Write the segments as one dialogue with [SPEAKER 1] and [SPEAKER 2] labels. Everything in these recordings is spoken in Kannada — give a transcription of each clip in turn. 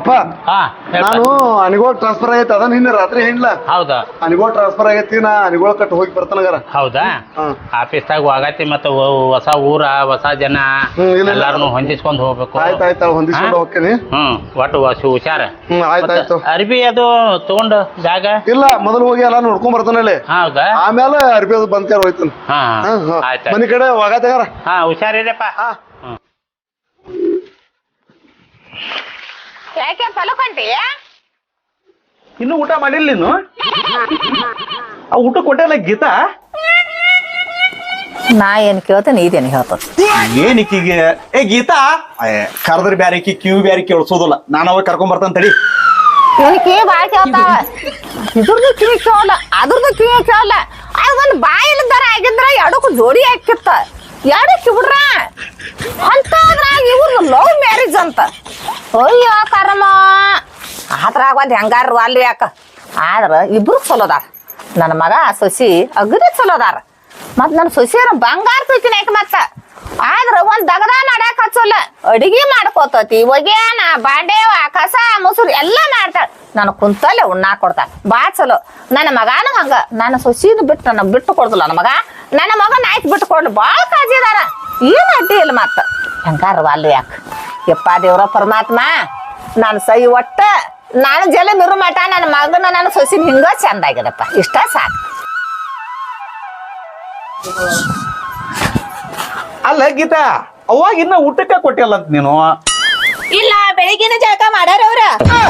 [SPEAKER 1] ಅಪ್ಪ ನಾನು ಅನಿಗೋಳ್ ಟ್ರಾನ್ಸ್ಫರ್ ಆಗೈತೆ ಅದ ನಿನ್ನೆ ರಾತ್ರಿ ಹೇಳಿಲ್ಲ.
[SPEAKER 2] ಹೌದಾ
[SPEAKER 1] ಅನಿಗೋಳ್ ಟ್ರಾನ್ಸ್ಫರ್ ಆಗೈತಿ, ನಾ ಅನಿಗೋಳ್ ಕಟ್ಟು ಹೋಗಿ ಬರ್ತಾನಗಾರ.
[SPEAKER 2] ಹೌದಾ ಆಫೀಸ್ದಾಗ ಹೋಗತಿ ಮತ್ತ ಹೊಸ ಊರ ಹೊಸ ಜನ ಎಲ್ಲಾರನು ಹೊಂದಿಸ್ಕೊಂಡ್ ಹೋಗ್ಬೇಕು.
[SPEAKER 1] ಆಯ್ತಾಯ್ತು ಹೊಂದಿಸ್ಕೊಂಡು ಹೋಗ್ತೀನಿ.
[SPEAKER 2] ಒಟ್ಟು ಹುಷಾರ.
[SPEAKER 1] ಆಯ್ತಾಯ್ತು.
[SPEAKER 2] ಅರ್ಬಿ ಅದು ತಗೊಂಡು ಜಾಗ
[SPEAKER 1] ಇಲ್ಲ ಮೊದಲು ಹೋಗಿ ಎಲ್ಲ ನೋಡ್ಕೊಂಡ್ ಬರ್ತಾನಲ್ಲಿ.
[SPEAKER 2] ಹೌದಾ
[SPEAKER 1] ಆಮೇಲೆ ಅರ್ಬಿ ಅದು ಬಂದ್ಕಾರ ಹೋಯ್ತಾನ. ಮನಿ ಕಡೆ ಹೋಗತ್ತಾಗಾರ.
[SPEAKER 2] ಹುಷಾರಿರಪ್ಪ.
[SPEAKER 3] ಯಾಕೆ ಫಲಕೊಂತೀಯ?
[SPEAKER 4] ಇನ್ನು ಊಟ ಮಾಡಿಲ್ಲ ನೀನು? ಆ ಊಟ ಕೊಟ್ಟಲ್ಲ ಗೀತಾ?
[SPEAKER 3] ನಾ ಏನ್ ಕೇಳ್ತೇನೆ ಇದೇನು ಹೇಳ್ತದ?
[SPEAKER 4] ಏನಿಕ್ಕಿಗೆ ಗೀತಾ ಕರೆದ್ರೆ ಬ್ಯಾರೆ ಕಿವಿ ಬ್ಯಾರೆ ಕೇಳಿಸೋದಿಲ್ಲ. ನಾನು ಅವಾಗ ಕರ್ಕೊಂಡ್ ಬರ್ತಾನ ತಡಿ.
[SPEAKER 3] ಇವನ್ ಕಿವಿ ಬಾಯ್ ಕೇಳ್ತಾವ, ಇದ್ರದ್ದು ಕಿವಿ ಕೇಳಲ್ಲ, ಅದ್ರದ್ದು ಕಿವಿ ಕೇಳಲ್ಲ. ಒಂದ್ ಬಾಯಿಲ್ದಾರ ಆಗಿದ್ರ ಎರಡಕ್ಕೂ ಜೋಡಿ ಹಾಕಿತ್ತ, ಎರಡಕ್ಕೆ ಬಿಡ್ರ ಅಂತದ್ರಾಗ ಇವ್ರ ಲವ್ ಮ್ಯಾರೇಜ್ ಅಂತ. ಅಯ್ಯೋ ಕರ್ಮ, ಅದ್ರಾಗ ಒಂದ್ ಹೆಂಗಾರ ಅಲ್ಲಿ ಯಾಕ. ಆದ್ರ ಇಬ್ರು ಚಲೋದಾರ. ನನ್ನ ಮಗ ಸೊಸಿ ಅಗದಿ ಚಲೋದಾರ. ಮತ್ ನನ್ನ ಸೊಸಿಯರ ಬಂಗಾರ ತುಯ್ತೀನಿ ಯಾಕೆ ಮತ್ತ. ಆದ್ರ ಒಂದ್ ದಗದ ನಡ್ಯಾಕ ಹಚ್ಚಲ್ಲ, ಅಡಿಗೆ ಮಾಡ್ಕೋತತಿ, ಒಗ್ಯಾನ ಬಾಂಡೆವ ಕಸ ಮೊಸರು ಎಲ್ಲಾ ಮಾಡ್ತಾಳ. ನಾನು ಕುಂತಲ್ಲೇ ಉಣ್ಣಾಕ್ ಕೊಡ್ತಾಳ, ಬಾ ಚಲೋ. ನನ್ನ ಮಗಾನು ಹಂಗ, ನನ್ನ ಸೊಸಿನ ಬಿಟ್ಟು ನನ್ನ ಬಿಟ್ಟು ಕೊಡುದಿಲ್ಲ. ನನ್ನ ಮಗ ನಾಯ್ತು ಬಿಟ್ಟು ಕೊಡ್ಲು ಬಾಳ ಕಾಜಿ ಅದಾರ. ಏನ್ ಅಡ್ಡಿ ಇಲ್ಲ ಮತ್ತ ಹೆಂಗಾರ ಅಲ್ಲಿ ಯಾಕ. ಯಪ್ಪ ದೇವ್ರ ಪರಮಾತ್ಮ, ನಾನು ಸೈ ಒಟ್ಟ ನಾನು ಜಲ ಮಿರು ಮಠ ನನ್ನ ಮಗನ ನನ್ನ ಸೊಸಿನ ಹಿಂಗ ಚಂದ ಆಗ್ಯದಪ್ಪ, ಇಷ್ಟ ಸಾಕು.
[SPEAKER 4] ಅಲ್ಲ ಗೀತಾ, ಅವಾಗ ಇನ್ನ ಊಟಕ್ಕೆ ಕೊಟ್ಟಿಲ್ಲ ಅಂತ ನೀನು?
[SPEAKER 3] ಇಲ್ಲ, ಬೆಳಿಗ್ಗೆನ ಜಳಕ ಮಾಡ್ಯಾರ ಅವ್ರ.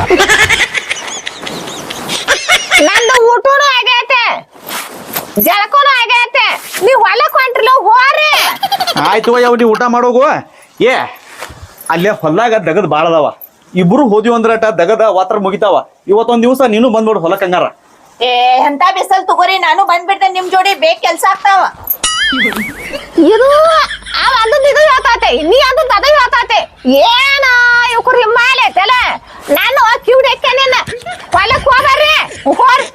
[SPEAKER 3] ನಂದು ಊಟನು ಆಗೈತೆ, ಜಳಕನು ಆಗೈತೆ. ನೀವ್ ಹೊಲಕ್ ಹೊಂಟ್ರಲ್ಲ ಹೋರಿ.
[SPEAKER 4] ಆಯ್ತು ಯಾವ ನೀ ಊಟ ಮಾಡೋಗು. ಅಲ್ಲೇ ಹೊಲ್ದಾಗ ದಗದ್ ಬಾಳ ಅದಾವ. ಇಬ್ರು ಹೋದಿವ್ ಅಂದ್ರಟ ದಗದ ವಾತ್ರ ಮುಗಿತಾವ. ಇವತ್ತೊಂದ್ ದಿವಸ ನೀನು ಬಂದ್ಬಿಡು ಹೊಲಕ್ ಹಂಗಾರ.
[SPEAKER 3] ಎಂತ ಬಿಸಲ್ ತಗೋರಿ, ನಾನು ಬಂದ್ಬಿಡ್ತೇನೆ ನಿಮ್ ಜೋಡಿ. ಬೇಗ ಕೆಲ್ಸ ಆಗ್ತಾವ. ಇದು ಅದನ್ನ ಇದು ಹೇಳ್ತಾತೆ, ನೀ ಅದನ್ನ ಅದ ಹೇಳ್ತಾತೆ. ಏನ ಇವ್ರು ಹಿಮಾಲಯ ತಲೆ. ನಾನು ಕಿವಿಡೆಕ್ಕೆ ನಿನ್ನ ಹೊಲಕ್ ಹೋಗ್ರಿ ಹೋರ್.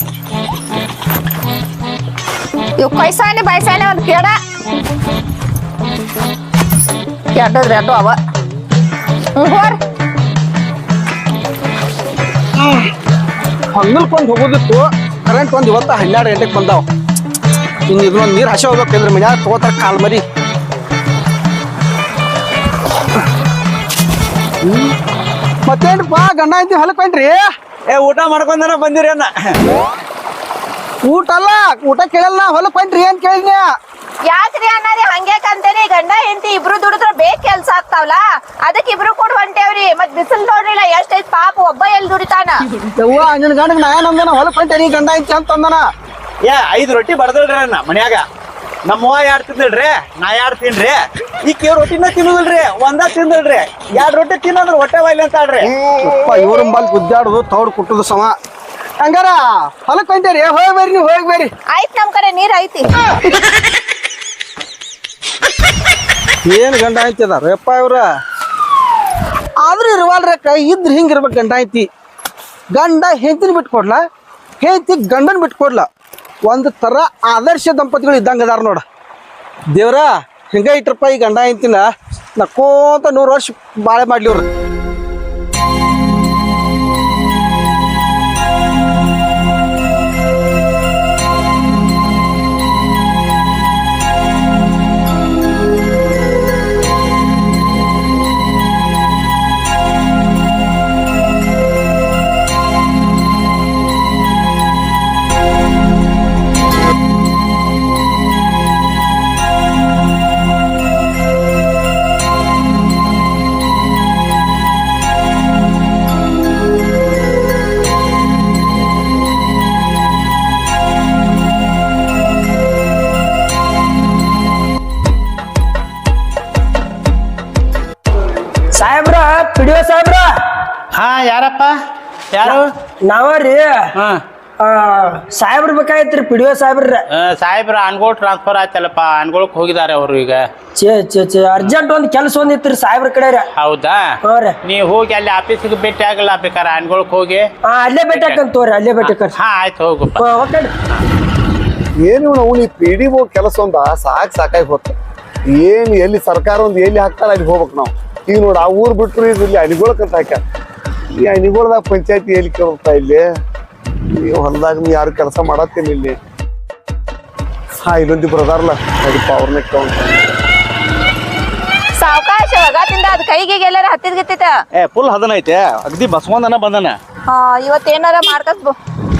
[SPEAKER 3] ಇವ್ ಕೈಸಾನೆ ಬೈಸಾನೆ ಒಂದ್ ಕೇಡ ಕೆಟ್ಟದ್ರಿ ಅದು ಅವ. ಹೋರ್
[SPEAKER 5] ಹೊಂಗಲ್ಕೊಂಡ್ ಹೋಗೋದಿತ್ತು. ಕರೆಂಟ್ ಒಂದ್ ಇವತ್ತ 12 ಗಂಟೆಗೆ ಬಂದಾವ. ಇನ್ನು ಇದೊಂದು ನೀರು ಹಸಿ ಹೋಗ್ಬೇಕಂದ್ರೆ ಮನ್ಯಾಗ ತಗೋತಾರ ಕಾಲ್ ಮರಿ. ಮತ್ತೇನ್ಪಾ ಗಂಡ ಐತಿ ಹೊಲಕ್ ಹೊಂಟ್ರಿ?
[SPEAKER 4] ಊಟ ಮಾಡ್ಕೊಂಡನ ಬಂದಿರಿ ಅನ್ನ.
[SPEAKER 5] ಊಟ ಅಲ್ಲ, ಊಟ ಕೇಳಲ್ಲ. ಹೊಲಕ್ ಹೊಂಟ್ರಿ ಏನ್ ಕೇಳಿದ್ನ?
[SPEAKER 3] ಯಾಕ್ರಿ ಅಣ್ಣಾರಿ ಹಂಗ್ಯಾಕಂತೇನಿ? ಗಂಡ ಹೆಂಡತಿ ಇಬ್ರು ದುಡಿದ್ರ ಬೇಗ ಕೆಲ್ಸ ಆಗ್ತಾವಲ್ಲ, ಅದಕ್ಕೆ ಇಬ್ರು ಕೂಡ ಹೊಂಟೇವ್ರಿ. ಮತ್ ಬಿಸಿಲ್ ನೋಡ್ರಿಲ್ಲ ಎಷ್ಟೈತ್ ಪಾಪ, ಒಬ್ಬ ಎಲ್ಲಿ ದುಡಿತಾನ?
[SPEAKER 5] ಯವ್ವ ನಿನ್ ಗಂಡಗ್ ನಾ ಏನಂದನ ಹೊಲಕ್ ಹೊಂಟೇನಿ ಗಂಡ ಐತಿ ಅಂತ ಅಂದನ.
[SPEAKER 4] 5 ರೊಟ್ಟಿ ಬಡದಲ್ರಿ ಅನ್ನ ಮನ್ಯಾಗ. ನಮ್ಮವ್ವ 2 ತಿಂದಳ್ರಿ, ನಾ 2 ತಿನ್ರಿ. ಈಕೆ ರೊಟ್ಟಿನ ತಿನ್ನುದಿಲ್ರಿ, ಒಂದ ತಿಂದಳ್ರಿ. 2 ರೊಟ್ಟಿ ತಿನ್ನಂದ್ರ ಹೊಟ್ಟೆ ಬಾಯ್ಲಿ ಅಂತ ಆಡ್ರಿ.
[SPEAKER 5] ಇವ್ರ ಬಲ್ ಗುದ್ದಾಡುದು ತೌಡ್ ಕುಟ್ಟುದು ಸಮ. ಹಂಗಾರ ಹೊಲಕ್ ಹೊಂಟೇರಿ, ಹೋಗಿ ಬರ್ರಿ ನೀವು, ಹೋಗಿ ಬರ್ರಿ.
[SPEAKER 3] ಆಯ್ತ್ ನಮ್ ಕಡೆ ನೀರ್ ಐತಿ.
[SPEAKER 5] ಏನ್ ಗಂಡ ಐತಿ ಅದಾರ ಯಪ್ಪ ಇವ್ರ. ಆದ್ರೂ ಇರುವಲ್ರಕ್ಕ, ಇದ್ರ ಹಿಂಗಿರ್ಬೇಕು ಗಂಡ ಐತಿ. ಗಂಡ ಹೆಂಡತಿನ ಬಿಟ್ಕೊಡ್ಲ, ಹೆಂಡತಿ ಗಂಡನ್ ಬಿಟ್ಕೊಡ್ಲ. ಒಂದ್ ತರ ಆದರ್ಶ ದಂಪತಿಗಳು ಇದ್ದಂಗ ಅದಾರ ನೋಡ. ದೇವ್ರ ಹಿಂಗ ಇಟ್ರಪ್ಪ ಈ ಗಂಡ ಹೆಂಡತಿನ ನಕ್ಕೋತ 100 ವರ್ಷ ಬಾಳೆ ಮಾಡ್ಲಿ ಅವ್ರು.
[SPEAKER 6] ಸಾಹೇಬ್ರ, ಪಿಡಿಒ ಸಾಹೇಬ್ರ.
[SPEAKER 2] ಯಾರಪ್ಪ? ಯಾರು?
[SPEAKER 6] ನಾವ್ರಿ ಸಾಹೇಬ್ರ ಬೇಕಾಯ್ತ್ರಿ, ಪಿಡಿಒ ಸಾಹೇಬ್ರ.
[SPEAKER 2] ಸಾಹೇಬ್ರ ಅನ್ಗೋಳ್ ಟ್ರಾನ್ಸ್ಫರ್ ಆಯ್ತಲ್ಲಪ್ಪ, ಅನ್ಗೋಳಕ್ ಹೋಗಿದ್ದಾರೆ ಅವರು ಈಗ.
[SPEAKER 6] ಚೇ ಅರ್ಜೆಂಟ್ ಒಂದ್ ಕೆಲಸ ಒಂದಿತ್ರಿ ಸಾಹೇಬ್ರ ಕಡೆ.
[SPEAKER 2] ಹೌದಾ? ನೀ ಹೋಗಿ ಅಲ್ಲಿ ಆಫೀಸಿಗೆ ಭೇಟಿ ಆಗಲ್ಲ ಬೇಕಾರೆ ಅನ್ಗೋಳಕ್ ಹೋಗಿ.
[SPEAKER 6] ಅಲ್ಲೇ ಭೇಟಿ ಹಾಕಂತ ತೋರಿ, ಅಲ್ಲೇ ಭೇಟಿ ಹಾಕ.
[SPEAKER 2] ಆಯ್ತು ಹೋಗಪ್ಪ.
[SPEAKER 1] ಏನು ನಾವು ಈ PDO ಕೆಲಸ ಒಂದ ಸಾಕಾಗಿ ಹೋಗ್ತ. ಏನ್ ಎಲ್ಲಿ ಸರ್ಕಾರ ಒಂದ್ ಎಲ್ಲಿ ಹಾಕ್ತಾರ ಅಲ್ಲಿ ಹೋಗ್ಬೇಕು ನಾವು. ಈಗ ನೋಡ ಆ ಊರ್ ಬಿಟ್ರು ಇಲ್ಲಿ ಅನಿಗೋಳಕಂತ ಹಾಕ್ಯಾರ. ಈ ಅಣಿಗೋಳದಾಗ ಪಂಚಾಯತಿ ಎಲ್ಲಿ ಕೇಳ್ತಾ ಇಲ್ಲಿ ಈ ಹೊಲದಾಗ ಯಾರು ಕೆಲಸ ಮಾಡತ್ತೇನೆ ಇಲ್ಲಿ. ಹಾ ಇಲ್ಲೊಂದಿಬ್ರು ಅದಾರಲ್ಲ ಅದಪ್ಪ ಅವ್ರನ್ನ ಕೇಳ.
[SPEAKER 3] ಸಾವಕಾಶ ಒಗಾತಿಂದ ಅದ್ ಕೈಗೆ ಎಲ್ಲಾರ ಹತ್ತಿದ್ ಗಿತ್ತಿತ್ತ.
[SPEAKER 4] ಫುಲ್ ಹದನ ಐತೆ ಅಗದಿ ಬಸವಂದನ ಬಂದನ.
[SPEAKER 3] ಇವತ್ತೇನಾರ ಮಾಡ್ಕಸ್.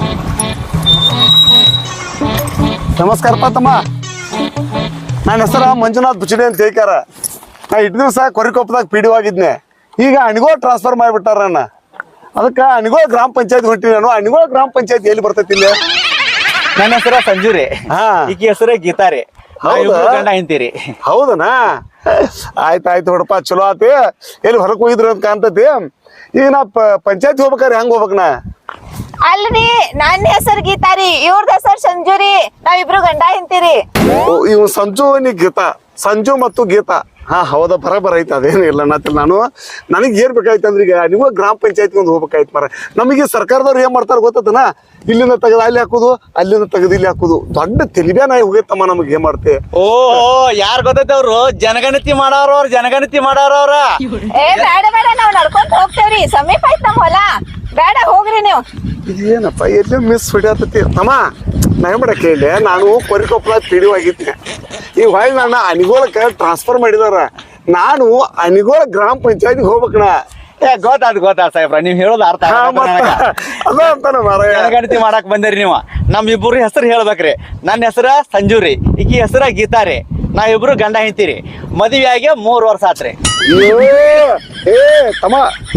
[SPEAKER 1] ನಮಸ್ಕಾರಪ್ಪ ತಮ್ಮ, ನನ್ನ ಹೆಸರ ಮಂಜುನಾಥ್ ಬುಚಡಿ ಅಂತ ಹೇಳ್ಕಾರ. ನಾ ಇಟ್ಟು ದಿವಸ ಕೊರಿಕೊಪ್ಪದಾಗ ಪಿಡಿಒ ಆಗಿದ್ನೆ. ಈಗ ಅಣಿಗೋಳ ಟ್ರಾನ್ಸ್ಫರ್ ಮಾಡಿಬಿಟ್ಟಾರ ನನ್ನ. ಅದಕ್ಕೆ ಅಣಿಗೋಳ ಗ್ರಾಮ ಪಂಚಾಯತ್ ಹೊಂಟಿನಿ ನಾನು. ಅಣಿಗೋಳ ಗ್ರಾಮ ಪಂಚಾಯತ್ ಎಲ್ಲಿ ಬರ್ತೈತಿ ಇಲ್ಲಿ?
[SPEAKER 4] ನನ್ನ ಹೆಸರ ಸಂಜುರಿ, ಈಕಿ ಹೆಸರೇ ಗೀತಾರಿ. ಗಂಡ ಹಿಂತೀರಿ.
[SPEAKER 1] ಹೌದನಾ? ಆಯ್ತಾಯ್ತು ನೋಡಪ್ಪ, ಚಲೋ ಆತಿ. ಎಲ್ಲಿ ಹೊರಗೆ ಹೋಗಿದ್ರು ಅಂತ ಕಾಣ್ತತಿ. ಈಗ ನಾ ಪಂಚಾಯತ್ ಹೋಗ್ಬೇಕಾರೆ ಹೆಂಗ್ ಹೋಗ್ಬೇಕನ?
[SPEAKER 3] ಅಲ್ರಿ ನನ್ನ ಹೆಸರು ಗೀತಾರಿ, ಇವ್ರದ ಹೆಸರು ಸಂಜುರಿ. ನಾವಿಬ್ರು ಗಂಡ ಹಿಂತೀರಿ.
[SPEAKER 1] ಇವ್ ಸಂಜು ನೀ ಗೀತಾ, ಸಂಜು ಮತ್ತು ಗೀತಾ. ಹಾ ಹೌದಾ, ಬರಬರ ಐತೆ. ಅದೇನು ಇಲ್ಲ ಅನ್ನತ್ತಿಲ್ಲ ನಾನು. ನನಗೆ ಏನ್ ಬೇಕಾಯ್ತು ಅಂದ್ರೆ ಈಗ ನೀವು ಗ್ರಾಮ ಪಂಚಾಯತ್ಗೆ ಒಂದು ಹೋಗ್ಬೇಕಾಯ್ತು ಮರ. ನಮಗೆ ಸರ್ಕಾರದವ್ರು ಏನ್ ಮಾಡ್ತಾರ ಗೊತ್ತನ? ಇಲ್ಲಿಂದ ತೆಗೆದು ಅಲ್ಲಿ ಹಾಕುದು, ಅಲ್ಲಿಂದ ತೆಗೆದು ಇಲ್ಲಿ ಹಾಕುದು. ದೊಡ್ಡ ತೆಲಿಬ್ಯಾನಾಯಿ ಹೋಗೈತಮ್ಮ ನಮಗೆ. ಏನ್ ಮಾಡ್ತೆ?
[SPEAKER 4] ಓ ಯಾರ್ ಗೊತ್ತೈತೆ ಅವ್ರು? ಜನಗಣತಿ ಮಾಡೋರು, ಜನಗಣತಿ ಮಾಡೋರವ್ರ.
[SPEAKER 3] ಏ ಬೇಡ ಬೇಡ, ನಾವ್ ನಡ್ಕೊಂತ ಹೋಗ್ತೇವ್ರಿ. ಸಮೀಪ ಐತ್ ನಮ್ ಹೊಲ. ಬೇಡ ಹೋಗ್ರಿ ನೀವು.
[SPEAKER 1] ಇದೇನಪ್ಪ ಎಲ್ಲೇ ಮಿಸ್ ಹೊಡಿಯತ್ತತಿ ತಮ್ಮ. ನಾ ಏನ್ ಮಾಡಕ್ಕೆ ಹೇಳಿ, ನಾನು ಕೊರಿಕೊಪ್ಪಳ ಪಿಡಿಒ ಆಗಿದ್ದೆ. ಈ ಹೊಳ್ಳಿ ನನ್ನ ಅಣಿಗೋಳಕ್ಕೆ ಟ್ರಾನ್ಸ್ಫರ್ ಮಾಡಿದಾರ. ನಾನು ಅಣಿಗೋಳ ಗ್ರಾಮ ಪಂಚಾಯತ್ಗೆ ಹೋಗ್ಬೇಕಣ.
[SPEAKER 4] ಗೊತ್ತಾದ್ ಸಾಹೇಬ್ರ, ನೀವ್ ಹೇಳೋದು ಅರ್ಥ
[SPEAKER 1] ಅದ ಅಂತಾನ ಮಾರ.
[SPEAKER 4] ಜನಗಣತಿ ಮಾಡಕ್ ಬಂದಿರಿ ನೀವು. ನಮ್ ಇಬ್ಬರು ಹೆಸರು ಹೇಳ್ಬೇಕ್ರಿ. ನನ್ನ ಹೆಸರ ಸಂಜುರಿ, ಈಕಿ ಹೆಸರ ಗೀತಾರಿ. ನಾವಿಬ್ರು ಗಂಡ ಹಿಂತೀರಿ. ಮದುವೆ ಆಗಿ 3 ವರ್ಷ ಆತ್ರಿ.
[SPEAKER 1] ಏ ತಮ್ಮ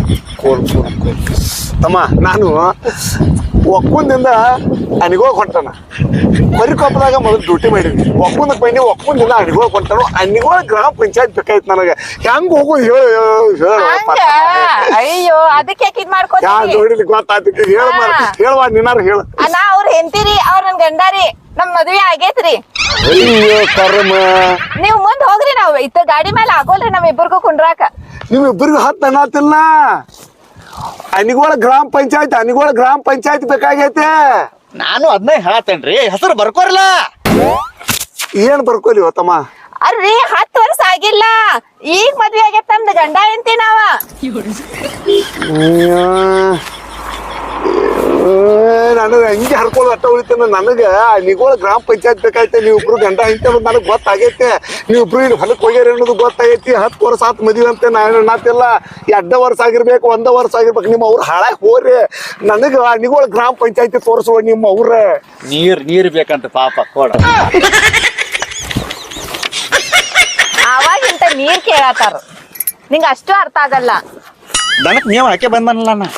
[SPEAKER 1] ತಮ್ಮ, ನಾನು ಒಕ್ಕುಂದಿಂದ ಅಣಿಗೋಳ್ ಹೊಂಟಾನ. ಕೊರಿಕೊಪ್ಪದಾಗ ಮೊದಲು ಡ್ಯೂಟಿ ಮಾಡಿದ್ವಿ. ಒಕ್ಕುಂದಕ್ಕೆ ಬನ್ನಿ, ಒಕ್ಕುಂದಿಂದ ಅಣಿಗೋಳ್ ಹೊಂಟಾನು. ಅಣಿಗೋಳ ಗ್ರಾಮ ಪಂಚಾಯತ್ ಬೇಕಾಯ್ತು ನನಗೆ. ಹೆಂಗ್ ಹೋಗೋದು
[SPEAKER 3] ಅಯ್ಯೋ, ಅದಕ್ಕೆ ಇದ್ ಮಾಡ್ಕೊತೀವಿ.
[SPEAKER 1] ನೋಡಿಲಿ ಗೊತ್ತಾಯ್ತು. ಹೇಳುವ ನೀನಾರು ಹೇಳು.
[SPEAKER 3] ನಾ ಅವ್ರ ಹೆಂಡತಿರಿ, ಅವ್ರ ನನ್ ಗಂಡಾರಿ. ನಮ್ ಮದ್ವೆ ಆಗೇತ್ರಿ.
[SPEAKER 1] ಅಯ್ಯೋ ಕರ್ಮ.
[SPEAKER 3] ನೀವ್ ಮುಂದ್ ಹೋಗ್ರಿ, ನಾವ್ ಇತ್ತ ಗಾಡಿ ಮೇಲೆ ಆಗೋಲ್ರಿ ನಮ್ ಇಬ್ಬರಿಗೂ ಕುಂಡ್ರಾಕ.
[SPEAKER 1] ನಿಮ್ ಇಬ್ಬರಿಗೂ ಹತ್ತು ಅನ್ನತಿಲ್ಲ. ಅಣಿಗೋಳ ಗ್ರಾಮ ಪಂಚಾಯತ್ ಬೇಕಾಗೈತೆ.
[SPEAKER 4] ನಾನು ಅದನ್ನ ಹೇಳತ್ತೇನ್ರಿ, ಹೆಸರು ಬರ್ಕೋರಿಲ್ಲ.
[SPEAKER 1] ಏನ್ ಬರ್ಕೊಲಿ ತಮ್ಮ?
[SPEAKER 3] ಅಲ್ರಿ 10 ವರ್ಷ ಆಗಿಲ್ಲ, ಈಗ ಮದ್ವೆ ಆಗೈತ್ ನಮ್ದು ಗಂಡ ಹೆಂಡತಿ ನಾವ.
[SPEAKER 1] ನನಗೆ ಹಂಗೆ ಹರ್ಕೊಳ್ಳೋ ಅಟ್ಟ ಉಳಿತೇನೆ. ನನಗೆ ಅಣಿಗೋಳ ಗ್ರಾಮ ಪಂಚಾಯತ್ ಬೇಕಾಯ್ತೆ. ನೀವಿಬ್ರು ಗಂಡ ಹಿಂತೆ ಅನ್ನೋದು ನನಗೆ ಗೊತ್ತಾಗೈತೆ. ನೀವಿಬ್ರು ಇಲ್ಲಿ ಹೊಲಕ್ಕೆ ಹೋಗ್ಯಾರ ಅನ್ನೋದು ಗೊತ್ತಾಗೈತಿ. 10 ವರ್ಷ ಆತ್ ಮದುವೆ ಅಂತ ನಾನು ಅನ್ನತ್ತಿಲ್ಲ. 2 ವರ್ಷ ಆಗಿರ್ಬೇಕು, 1 ವರ್ಷ ಆಗಿರ್ಬೇಕು. ನಿಮ್ಮ ಅವ್ರು ಹಾಳಾಗಿ ಹೋಗ್ರಿ. ನನಗೆ ಅಣಿಗೋಳ ಗ್ರಾಮ ಪಂಚಾಯತಿ ತೋರಿಸುವ ನಿಮ್ಮ ಅವ್ರ.
[SPEAKER 4] ನೀರ್ ಬೇಕಂತ ಪಾಪ ಕೊಡ.
[SPEAKER 3] ಅವಾಗಿಂತ ನೀರ್ ಕೇಳತ್ತಾರ. ನಿಂಗ ಅಷ್ಟು ಅರ್ಥ ಆಗಲ್ಲ.
[SPEAKER 4] ದನಕ್ ನೀವು ಹಾಕಿ ಬಂದನಲ್ಲ ನಾ.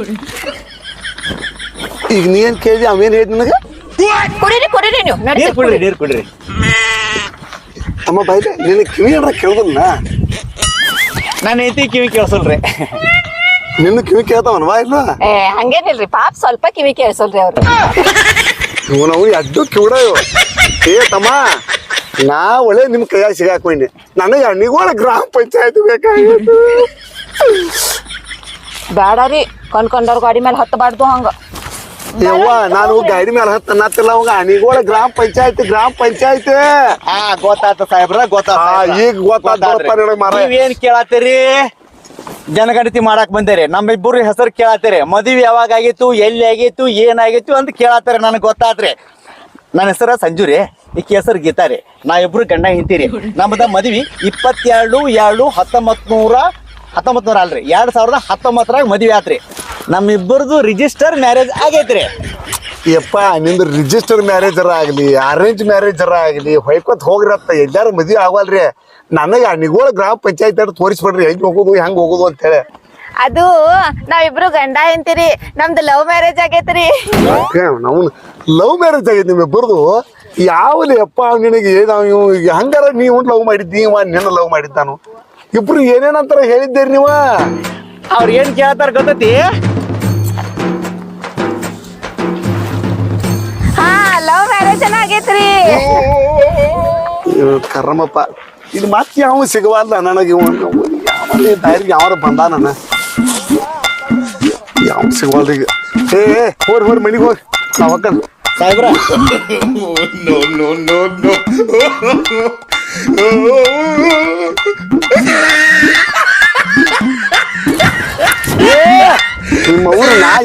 [SPEAKER 1] ಈಗ ನೀನ್ ಕೇಳಿ ಅವೇನ್ ಹೇಳಿ ನನಗೆ?
[SPEAKER 3] ಕುಡೀರಿ ನೀವು.
[SPEAKER 4] ನೀರ್ ಕುಡ್ರಿ.
[SPEAKER 1] ಅಮ್ಮ ಬೈಲೆ, ನಿನ್ನ ಕಿವಿ ಏನಾರ ಕೇಳ್ದಲ್ಲ?
[SPEAKER 4] ನಾನು ಐತಿ ಕಿವಿ ಕೇಳ್ಸಲ್ರಿ.
[SPEAKER 1] ನಿನ್ನ ಕಿವಿ ಕೇಳ್ತಾವನ್ವಾ ಇಲ್ಲ?
[SPEAKER 3] ಹಂಗೇನಿಲ್ರಿ, ಪಾಪ ಸ್ವಲ್ಪ ಕಿವಿ ಕೇಳಿಸಲ್ರಿ ಅವ್ರು.
[SPEAKER 1] ನಾವು ಎಡ್ಡು ಕಿವಿಡ. ಏ ತಮ್ಮ, ನಾ ಒಳ್ಳೆ ನಿಮ್ ಕೈಯಾಗ ಸಿಗಾಕೊಂಡೆ. ನನಗೆ ಅಣಿಗೋಳ ಗ್ರಾಮ ಪಂಚಾಯತ್ ಬೇಕಾಗಿತ್ತು.
[SPEAKER 3] ಬೇಡರಿ, ಕೊಂಡ್ಕೊಂಡವ್ರ ಗಾಡಿ ಮೇಲೆ ಹತ್ತಬಾರ್ದು ಹಂಗ.
[SPEAKER 1] ಯವ್ವ, ನಾನು ಗಾಡಿ ಮೇಲೆ ಹತ್ತ ಅನ್ನತ್ತಿಲ್ಲ. ಅವಾಗ ಅಣಿಗೋಳ ಗ್ರಾಮ ಪಂಚಾಯತ್.
[SPEAKER 4] ಗೊತ್ತಾತ ಸಾಹೇಬ್ರ,
[SPEAKER 1] ಈಗ ಗೊತ್ತಾತ.
[SPEAKER 4] ನೀವೇನ್ ಕೇಳತ್ತೀರಿ? ಜನಗಣತಿ ಮಾಡಕ್ ಬಂದೇರಿ. ನಮ್ಮಿಬ್ಬರು ಹೆಸರು ಕೇಳತ್ತೀರಿ. ಮದುವೆ ಯಾವಾಗ ಆಗಿತ್ತು, ಎಲ್ಲಿ ಆಗಿತ್ತು, ಏನಾಗಿತ್ತು ಅಂತ ಕೇಳತ್ತಾರೆ. ನನಗೆ ಗೊತ್ತಾತ್ರಿ. ನನ್ನ ಹೆಸರ ಸಂಜುರಿ, ಈಕಿ ಹೆಸರು ಗೀತಾರಿ. ನಾವಿಬ್ರು ಗಂಡ ಹಿಂತೀರಿ. ನಮ್ದ ಮದ್ವಿ 22/7/1919 ಅಲ್ರಿ, 2019 ಮದ್ವೆ ಆತ್ರಿ. ನಮ್ಮಿಬ್ಬರದು ರಿಜಿಸ್ಟರ್ ಮ್ಯಾರೇಜ್ ಆಗೈತ್ರಿ.
[SPEAKER 1] ಯಪ್ಪ, ನಿಂದು ರಿಜಿಸ್ಟರ್ ಮ್ಯಾರೇಜರ ಆಗ್ಲಿ, ಅರೇಂಜ್ ಮ್ಯಾರೇಜರ ಆಗ್ಲಿ, ಹೊಯ್ಕೊತ್ ಹೋಗ್ರತ್ತ. ಎಲ್ಲಾರ ಮದ್ವೆ ಆಗವಲ್ರಿ. ನನಗೆ ಅಣಿಗೋಳ ಗ್ರಾಮ ಪಂಚಾಯತ್ ಅಂತ ತೋರಿಸ್ಬಿಡ್ರಿ, ಹೆಂಗ್ ಹೋಗುದು ಅಂತ ಹೇಳಿ.
[SPEAKER 3] ಅದು ನಾವಿಬ್ರು ಗಂಡ ಹೆಂಡತಿರಿ. ನಮ್ದು ಲವ್ ಮ್ಯಾರೇಜ್ ಆಗೈತ್ರಿ.
[SPEAKER 1] ನಾವು ಲವ್ ಮ್ಯಾರೇಜ್ ಆಗೈತಿ ನಿಮ್ಮಿಬ್ಬರದು? ಯಾವಲ್ಲಿ ಅಪ್ಪ ನಿನಗೆ? ನಾವು ಹಂಗಾರ ನೀವು ಲವ್ ಮಾಡಿದ್ದಿ, ನಿನ್ನ ಲವ್ ಮಾಡಿದ್ದಾನು. ಇಬ್ರು ಏನೇನಂತಾರ ಹೇಳಿದ್ದೀರಿ ನೀವ?
[SPEAKER 4] ಅವ್ರು ಏನ್ ಕೇಳ್ತಾರ ಗೊತ್ತೈತಿ?
[SPEAKER 3] ಲವ್ ಮ್ಯಾರೇಜ್ ಆಗೈತ್ರಿ.
[SPEAKER 1] ಕರ್ಮಪ್ಪ, ಇದು ಮತ್ತೆ ಯಾವ ಸಿಗವಲ್ಲ ನನಗೆ. ದಾರಿಗೆ ಯಾವಾರ ಬಂದ ನನ್ನ ಯಾವ ಸಿಗವಲ್ರಿ ಈಗ. ಹೋರಿ ಮನಿಗೆ ಹೋಗಿ ಅವಕ್ಕ
[SPEAKER 4] ಸಾಹೇಬ್ರ.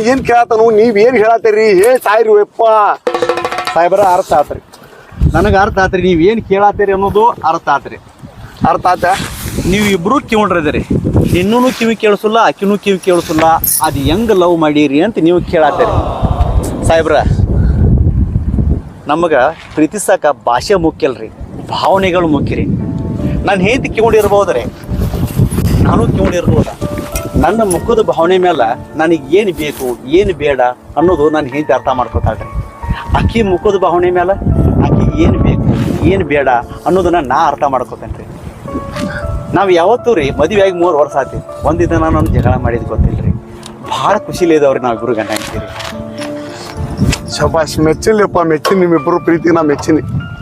[SPEAKER 1] ಏನ್ ಕೇಳತ್ತಾನು ನೀವ್ ಏನ್ ಹೇಳತ್ತೀರಿ ಸಾಯ್ರಿ ಯಪ್ಪ.
[SPEAKER 4] ಸಾಹೇಬ್ರ ಅರ್ಥ ಆತ್ರಿ, ನನಗೆ ಅರ್ಥ ಆತ್ರಿ, ನೀವ್ ಏನ್ ಕೇಳತ್ತೀರಿ ಅನ್ನೋದು ಅರ್ಥ ಆತ್ರಿ.
[SPEAKER 1] ಅರ್ಥ ಆತ?
[SPEAKER 4] ನೀವು ಇಬ್ರು ಕಿವಣ್ರದಿರಿ, ನಿನ್ನೂ ಕಿವಿ ಕೇಳಿಸಲ್ಲ ಆಕಿನೂ ಕಿವಿ ಕೇಳಿಸಲ್ಲ, ಅದು ಹೆಂಗ್ ಲವ್ ಮಾಡೀರಿ ಅಂತ ನೀವು ಕೇಳತ್ತೀರಿ. ಸಾಹೇಬ್ರ ನಮಗೆ ಪ್ರೀತಿಸಕ ಭಾಷೆ ಮುಖ್ಯ ಅಲ್ರಿ, ಭಾವನೆಗಳು ಮುಖ್ಯ ರೀ. ನಾನು ಹೆಂಡತಿ ಕಿವಣಿರ್ಬೋದ್ರಿ, ನಾನು ಕಿವಣಿರ್ಬೋದ. ನನ್ನ ಮುಖದ ಭಾವನೆ ಮೇಲೆ ನನಗೆ ಏನು ಬೇಕು ಏನು ಬೇಡ ಅನ್ನೋದು ನಾನು ಹೆಂಡತಿ ಅರ್ಥ ಮಾಡ್ಕೊತಾಳ್ರಿ. ಆಕಿ ಮುಖದ ಭಾವನೆ ಮೇಲೆ ಆಕಿಗೆ ಏನು ಬೇಕು ಏನು ಬೇಡ ಅನ್ನೋದನ್ನ ನಾ ಅರ್ಥ ಮಾಡ್ಕೊತೇನೆ ರೀ. ನಾವು ಯಾವತ್ತೂ ರೀ ಮದುವೆ ಆಗಿ 3 ವರ್ಷ ಆತಿ, ಒಂದಿನ ನಾನು ಜಗಳ ಮಾಡಿದ್ ಗೊತ್ತಿಲ್ಲ ರೀ. ಭಾಳ ಖುಷಿಲಿ ಇದಾವ್ರಿ ನಾವು ಇಬ್ಬರು ಗಂಡ ಅಂತೀರಿ.
[SPEAKER 1] ಶಬಾಷ್, ಮೆಚ್ಚಿಲ್ಲಪ್ಪ, ಮೆಚ್ಚಿನಿ ನಿಮ್ಮಿಬ್ರು ಪ್ರೀತಿ, ನಾ ಮೆಚ್ಚಿನಿ.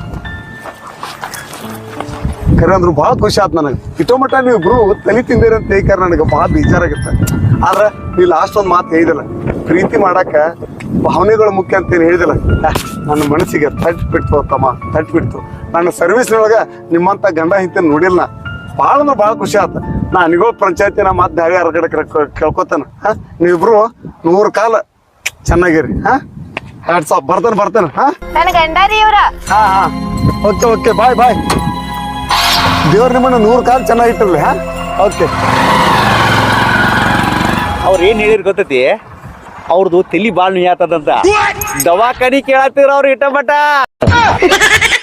[SPEAKER 1] ಖರೆ ಅಂದ್ರು ಭಾಳ ಖುಷಿ ಆಯ್ತು ನನಗೆ. ಇಟೋ ಮಟ್ಟ ನೀವಿಬ್ರು ತಲೆ ತಿಂದಿರ ಅಂತ ಹೇಳ್ಕಾರ ನನಗೆ ಭಾಳ ಬೇಜಾರಾಗಿತ್ತ. ಆದ್ರೆ ನೀ ಲಾಸ್ಟ್ ಒಂದು ಮಾತು ಹೇಳಿದಿಲ್ಲ, ಪ್ರೀತಿ ಮಾಡಾಕ ಭಾವನೆಗಳು ಮುಖ್ಯ ಅಂತೇನು ಹೇಳಿದಿಲ್ಲ. ನನ್ನ ಮನಸ್ಸಿಗೆ ತಟ್ಟು ತಮ್ಮ, ತಟ್ಟು ನನ್ನ ಸರ್ವಿಸ್ನೊಳಗೆ ನಿಮ್ಮಂತ ಗಂಡ ಹಿಂತೆ ನೋಡಿಲ್ಲ. ಭಾಳ ಅಂದ್ರೆ ಭಾಳ ಖುಷಿ ಆಯ್ತು. ನಾ ನಿಗೋಳ ಪಂಚಾಯತಿನ ಮತ್ತೆ ದಾಳಿ ಹೊರಗಡೆ ಕೇಳ್ಕೊತಾನ. ನೀವಿಬ್ರು 100 ಕಾಲ ಚೆನ್ನಾಗಿರಿ. Hats off. ಬರ್ತೇನೆ.
[SPEAKER 3] ನನ್ ಗಂಡಾರಿ ಇವ್ರ.
[SPEAKER 1] Okay bye. ದೇವ್ರ ನಿಮ್ಮನ್ನ 100 ಕಾಲ ಚೆನ್ನಾಗಿಟ್ಟಿರ್ಲಿ. ಓಕೆ.
[SPEAKER 4] ಅವ್ರು ಏನು ಹೇಳಿರ್ ಗೊತ್ತೈತಿ, ಅವ್ರದ್ದು ತಲಿ ಭಾಳ ನುಯ್ಯಾತದಂತ ದವಾಖಾನಿ ಕೇಳತ್ತೀರ ಅವ್ರು ಇಟ್ಟ ಮಟ್ಟ.